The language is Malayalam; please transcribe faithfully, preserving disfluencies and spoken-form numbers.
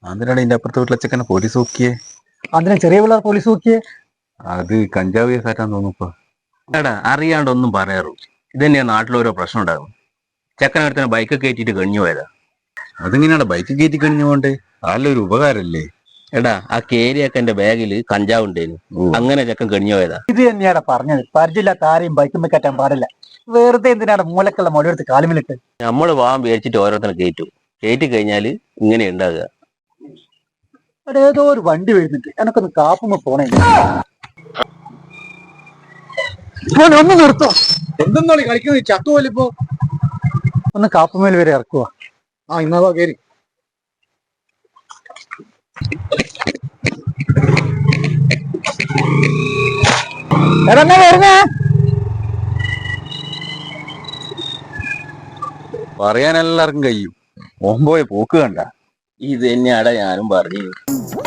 അതിനാണ് ഇതിന്റെ അപ്പുറത്തെ വീട്ടിലെ ചെക്കനെ പോലീസ് നോക്കിയേ. അതിനെ ചെറിയ പിള്ളേർ പോലീസ് നോക്കിയേ. അത് കഞ്ചാവ് കേസാറ്റാന്ന് തോന്നുന്നു. എടാ അറിയാണ്ടൊന്നും പറയാറു. ഇത് തന്നെയാ നാട്ടിലോരോ പ്രശ്നം ഉണ്ടാകും. ചെക്കനടുത്തിന് ബൈക്ക് കയറ്റിട്ട് കഴിഞ്ഞു പോയതാ. അതിങ്ങനെയാണ് ബൈക്ക് കയറ്റി കഴിഞ്ഞു പോണ്ടേ? നല്ലൊരു ഉപകാരല്ലേ. എടാ ആ കേരിയൊക്കെ ബാഗിൽ കഞ്ചാവ് ഉണ്ടേനു. അങ്ങനെ ചെക്കൻ കഴിഞ്ഞു പോയതാ. ഇത് തന്നെയാണ് പറഞ്ഞത്, പരിചയമില്ലാത്ത ആരെയും ബൈക്കുമ്മ കയറ്റാൻ പാടില്ല. വെറുതെ എന്തിനാണ് മൂലക്കുള്ള മൊഴിയെടുത്ത് കാലുമിലിട്ട്. നമ്മള് വാൻ പേടിച്ചിട്ട് ഓരോരുത്തരെ കയറ്റും. കയറ്റി കഴിഞ്ഞാല് ഇങ്ങനെ ഉണ്ടാകുക. അവിടെ ഏതോ ഒരു വണ്ടി വരുന്നുണ്ട്, എനക്കൊന്ന് കാപ്പുമ്പോ പോണേ. ഒന്ന് നിർത്തോ. എന്തെന്നാണ് കളിക്കുന്നത്? ചത്തുപോലിപ്പോ. ഒന്ന് കാപ്പുമേൽ വരെ ഇറക്കുക. ആ ഇന്നാ കേറി. പറയാൻ എല്ലാവർക്കും കഴിയും. ഓമ്പോയെ പോക്ക് കണ്ട. ഇത് തന്നെയാടാ ഞാനും പറഞ്ഞു.